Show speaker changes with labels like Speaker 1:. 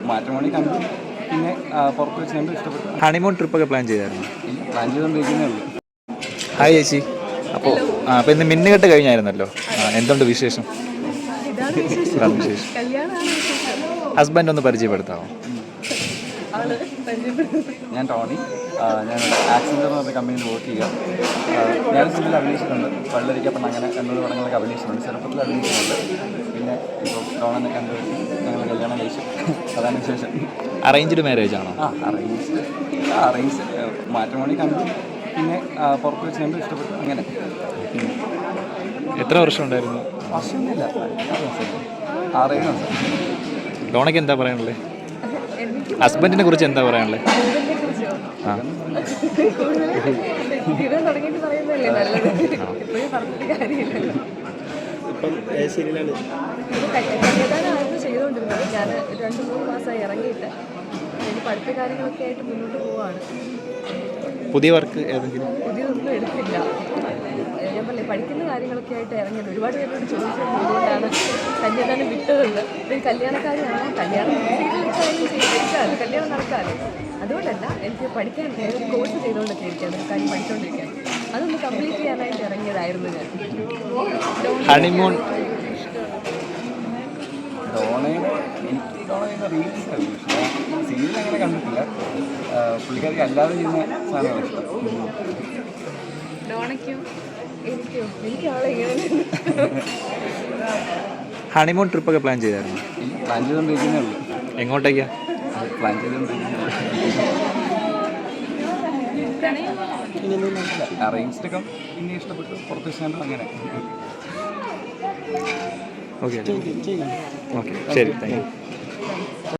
Speaker 1: Matrimony കണ്ടു. പിന്നെ പുറത്ത് വെച്ച് കണ്ടു, ഇഷ്ടപ്പെട്ടു.
Speaker 2: ഹണിമൂൺ ട്രിപ്പൊക്കെ പ്ലാൻ ചെയ്തായിരുന്നു?
Speaker 1: പ്ലാൻ ചെയ്തുകൊണ്ടിരിക്കുന്നേ ഉള്ളൂ.
Speaker 2: ഹായ് ചേച്ചി. അപ്പോൾ ഇന്ന് മിന്നുകെട്ട് കഴിഞ്ഞായിരുന്നല്ലോ, എന്തുണ്ട് വിശേഷം? ഹസ്ബൻഡ് ഒന്ന് പരിചയപ്പെടുത്താമോ?
Speaker 1: ഞാൻ ടോണി. ഞാൻ ആക്സിഡൻ്റ് എന്ന് പറഞ്ഞ കമ്പനിയിൽ വർക്ക് ചെയ്യുക. ഞാൻ സിനിമയിൽ അഭിനയിച്ചിട്ടുണ്ട്. പള്ളരിക്കപ്പെട്ട് അങ്ങനെ 2 പടങ്ങളൊക്കെ അഭിനയിച്ചിട്ടുണ്ട്. ചെറുപ്പത്തിൽ അഭിനയിച്ചിട്ടുണ്ട്. പിന്നെ ഇപ്പോൾ ടോണിനെ കണ്ടു ഞങ്ങൾ കല്യാണം കഴിച്ചു. അതാണ് വിശേഷം.
Speaker 2: അറേഞ്ച്ഡ് മാരേജ് ആണോ?
Speaker 1: അറേഞ്ച് മാട്രിമോണി കണ്ടു. പിന്നെ പുറത്ത് വെച്ച് കണ്ടു, ഇഷ്ടപ്പെട്ടു. അങ്ങനെ.
Speaker 2: എത്ര വർഷം ഉണ്ടായിരുന്നു?
Speaker 1: വർഷമൊന്നുമില്ല, 6-7 വർഷം.
Speaker 2: ഡോണയ്ക്ക് എന്താ പറയാനുള്ളത്? ഹസ്ബൻഡിനെ കുറിച്ച് എന്താ പറയാനുള്ളത്?
Speaker 3: ചെയ്തുകൊണ്ടിരുന്നത് ഞാൻ 2-3 മാസമായി ഇറങ്ങിയിട്ട് എനിക്ക് പഠിത്ത കാര്യങ്ങളൊക്കെ ആയിട്ട് മുന്നോട്ട് പോവാണ്.
Speaker 2: പുതിയ വർക്ക് ഏതെങ്കിലും?
Speaker 3: പുതിയതൊന്നും എടുത്തില്ല. ഞാൻ പറഞ്ഞില്ലേ, പഠിക്കുന്ന കാര്യങ്ങളൊക്കെ ആയിട്ട് ഇറങ്ങിയത്. ഒരുപാട് പേരോട് ചോദിച്ചത് എന്തുകൊണ്ടാണ് കല്യാണം വിട്ടതെന്ന്. ഒരു കല്യാണക്കാരിയാണോ, കല്യാണം ചെയ്താലും കല്യാണം നടക്കാമല്ലോ. അതുകൊണ്ടല്ല, എനിക്ക് പഠിക്കാൻ ഒരു കോഴ്സ് ചെയ്തുകൊണ്ടൊക്കെ ഇരിക്കുക, അതൊരു കാര്യം പഠിച്ചുകൊണ്ടിരിക്കുക. അതൊന്ന് കംപ്ലീറ്റ് ചെയ്യാനായിട്ട് ഇറങ്ങിയതായിരുന്നു ഞാൻ.
Speaker 2: ഹണിമൂൺ
Speaker 1: എനിക്ക് ഡോണയുടെ റീൽസ് ആയിരുന്നു ഇഷ്ടം. സീരിയൽ അങ്ങനെ കണ്ടിട്ടില്ല. പുള്ളിക്കാർക്ക് അല്ലാതെ ചെയ്യുന്ന സാധനമാണ് ഇഷ്ടം.
Speaker 2: ഹണിമൂൺ ട്രിപ്പൊക്കെ പ്ലാൻ ചെയ്തായിരുന്നു?
Speaker 1: പ്ലാൻ ചെയ്തുകൊണ്ടിരിക്കുന്നേ ഉള്ളൂ.
Speaker 2: എങ്ങോട്ടേക്കാ
Speaker 1: പ്ലാൻ ചെയ്തുകൊണ്ടിരിക്കുന്നത്? അറേഞ്ച്ഡൊക്കെ പിന്നെ ഇഷ്ടപ്പെട്ടു, പുറത്ത് വെച്ചാൽ അങ്ങനെ.
Speaker 2: ഓക്കെ ശരി, താങ്ക് യു.